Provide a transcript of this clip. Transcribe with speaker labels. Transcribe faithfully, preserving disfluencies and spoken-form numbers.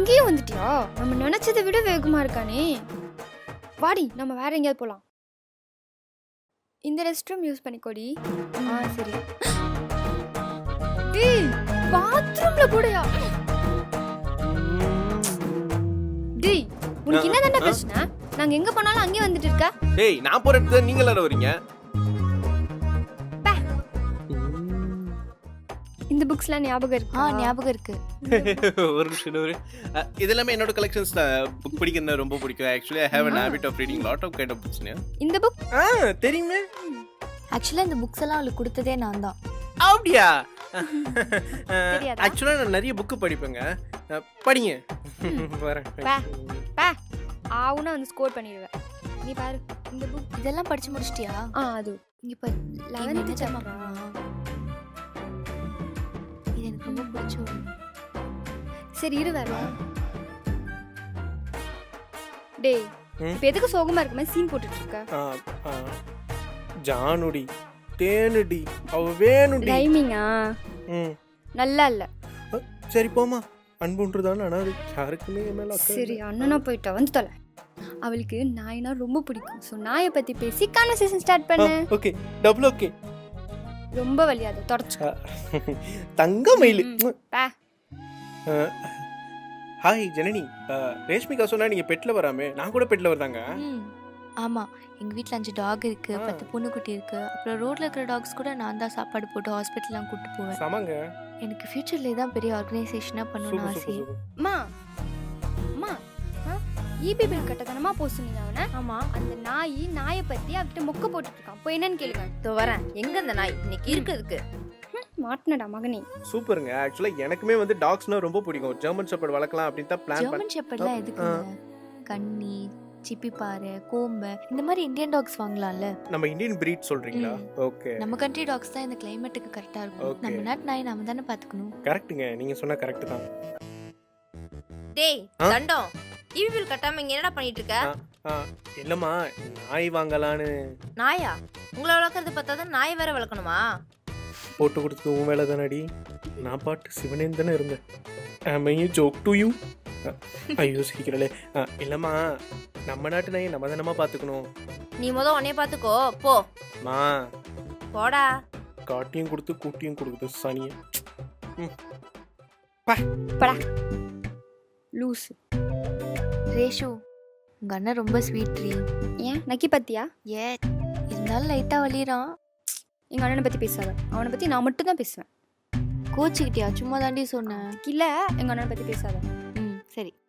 Speaker 1: இங்கேயும் வந்துட்டியா? நம்ம நினைச்சதை விட வேகமா இருக்கானே. வாடி நம்ம வேற எங்கேயாவது போலாம். இந்த ரெஸ்ட் ரூம் யூஸ் பண்ணிக்கோடி.
Speaker 2: ஆ சரி.
Speaker 1: டேய் பாத்ரூம்ல கூடயா? டேய் உனக்கு என்னதான்டா பிரச்சனை? நாங்க எங்க போனாலும் அங்கே வந்துட்டு இருக்க.
Speaker 3: டேய் நான் போற இடத்துல நீங்க எல்லாரும் வரீங்க.
Speaker 1: இந்த புக்ஸ்லாம் ஞாபகம் இருக்கு?
Speaker 2: ஆ ஞாபகம் இருக்கு.
Speaker 3: ஒரு நிமிஷம் ஒரு இதெல்லாம் என்னோட கலெக்ஷன்ஸ்ல புக் படிக்கிறது ரொம்ப பிடிக்கும். Actually I have an habit of reading lot of kind of books.
Speaker 1: இந்த புக்
Speaker 3: ஆ தெரியுமே.
Speaker 2: ஆக்சுவலா இந்த புக்ஸ் எல்லாம் அவளுக்கு கொடுத்ததே நான் தான்.
Speaker 3: அப்படியா?
Speaker 1: தெரியாதா?
Speaker 3: ஆக்சுவலா நான் நிறைய புக் படிப்பேங்க. படிங்க. வரேன்.
Speaker 1: பா பா ஆவுனா வந்து ஸ்கோர் பண்ணிடுவேன். நீ பாரு இந்த புக்
Speaker 2: இதெல்லாம் படிச்சு முடிச்சிட்டியா?
Speaker 1: ஆ அது
Speaker 2: இங்க பாரு.
Speaker 1: லெவன்த்
Speaker 2: இது
Speaker 1: சாப்டரா?
Speaker 2: இது எனக்கு ரொம்ப பிடிச்சது.
Speaker 1: சரி இரு வரேன். டேய் இப்போ எதுக்கு சோகமா இருக்க மாதிரி சீன் போட்டுட்டு இருக்க?
Speaker 3: ஜானுடி தேனுடி அவ வேணுடி.
Speaker 1: டைமிங்கா
Speaker 3: ம்
Speaker 1: நல்லா இல்ல.
Speaker 3: சரி போமா. அன்புன்றதான ஆனா அது யாருக்குமே மேல அக்கறை.
Speaker 1: சரி அண்ணனா போயிட்டா வந்து தொலை. அவளுக்கு நாய்னா ரொம்ப பிடிக்கும். ஸோ நாயை பத்தி பேசி கான்வர்சேஷன் ஸ்டார்ட் பண்ணு.
Speaker 3: Okay double okay.
Speaker 1: ரொம்ப வலியாத தொடச்சு.
Speaker 3: தங்க மயிலு.
Speaker 1: பா
Speaker 3: ஹாய் ஜனனி. ரேஷ்மிகா சொன்னா நீங்க பெட்ல வராமே. நான் கூட பெட்ல வரதாங்க.
Speaker 2: ம் ஆமா. எங்க வீட்ல அஞ்சு டாக் இருக்கு, பத்து பூனைக்குட்டி இருக்கு. அப்புறம் ரோட்ல இருக்கிற டாக்ஸ் கூட நான் தான் சாப்பாடு போட்டு ஹாஸ்பிட்டல்லாம் கூட்டு போவேன்.
Speaker 3: சமங்க.
Speaker 2: எனக்கு ஃபியூச்சர்ல இதான் பெரிய ஆர்கனைசேஷனா பண்ணணும்னு ஆசை.
Speaker 1: அம்மா அம்மா ஈபி பில் கட்டதனமா போ சொன்னீங்க அவனை.
Speaker 2: ஆமா.
Speaker 1: அந்த நாய் நாயை பத்தி அவகிட்ட மொக்க போட்டுட்டு இருக்கான். போய் என்னன்னு கேளுங்க.
Speaker 4: இதோ வரேன். எங்க அந்த நாய் இன்னைக்கு இருக்குதுக்கு?
Speaker 1: மாட்டினடா மகனே.
Speaker 3: சூப்பருங்க. ஆக்சுவலா எனக்குமே வந்து டாக்ஸ்னா ரொம்ப பிடிக்கும். ஜெர்மன் ஷெப்பர்ட் வளர்க்கலாம் அப்படின்னு தான் பிளான் பண்ணேன்.
Speaker 2: ஜெர்மன் ஷெப்பர்ட்லாம் எதுக்கு? கன்னி, சிப்பிப்பாறை, கோம்பை இந்த மாதிரி இந்தியன் டாக்ஸ் வாங்கலாம்ல.
Speaker 3: நம்ம இந்தியன் பிரீட் சொல்றீங்களா? ஓகே.
Speaker 2: நம்ம கண்ட்ரி டாக்ஸ் தான் இந்த கிளைமேட்டுக்கு கரெக்டா இருக்கும்.
Speaker 3: Okay.
Speaker 2: நம்ம நாட்டு நாய் நாம தானே பாத்துக்கணும்.
Speaker 3: கரெக்ட்டுங்க. நீங்க சொன்னா கரெக்ட் தான்.
Speaker 4: டேய்
Speaker 3: ஆ?
Speaker 4: தண்டம், ஈவி பில் கட்டாம இங்க என்னடா பண்ணிட்டு இருக்க?
Speaker 3: ஆ, இல்லம்மா நாய் வாங்கலான்னு.
Speaker 4: நாயா? உங்களை வளர்க்கறது பார்த்தாதான் நாய் வேற வளர்க்கணுமா?
Speaker 3: போட்டு கொடுத்து உன் வேலை தானடி. நான் பாட்டு சிவனேன் தானே இருந்தேன். Am I a joke to you? ஐயோ சிரிக்கிறலே. இல்லம்மா நம்ம நாட்டு நாயை நம்ம தானமா பாத்துக்கணும்.
Speaker 4: நீ முத உன்னைய பாத்துக்கோ போ.
Speaker 3: மா
Speaker 4: போடா.
Speaker 3: காட்டியும் கொடுத்து கூட்டியும் கொடுக்குது சனிய.
Speaker 1: படா லூஸ்.
Speaker 2: ரேஷு உங்க அண்ணன் ரொம்ப ஸ்வீட் ரீ.
Speaker 1: ஏன் நக்கி பத்தியா?
Speaker 2: ஏ இருந்தாலும் லைட்டா வலிறான்.
Speaker 1: எங்க அண்ணனை பத்தி பேசாத. அவனை பத்தி நான் மட்டும் தான் பேசுவேன்.
Speaker 2: கோச்சிக்கிட்டியா? சும்மா தாண்டி சொன்னேன்.
Speaker 1: இல்ல எங்க அண்ணனை பத்தி பேசாத.
Speaker 2: ம் சரி.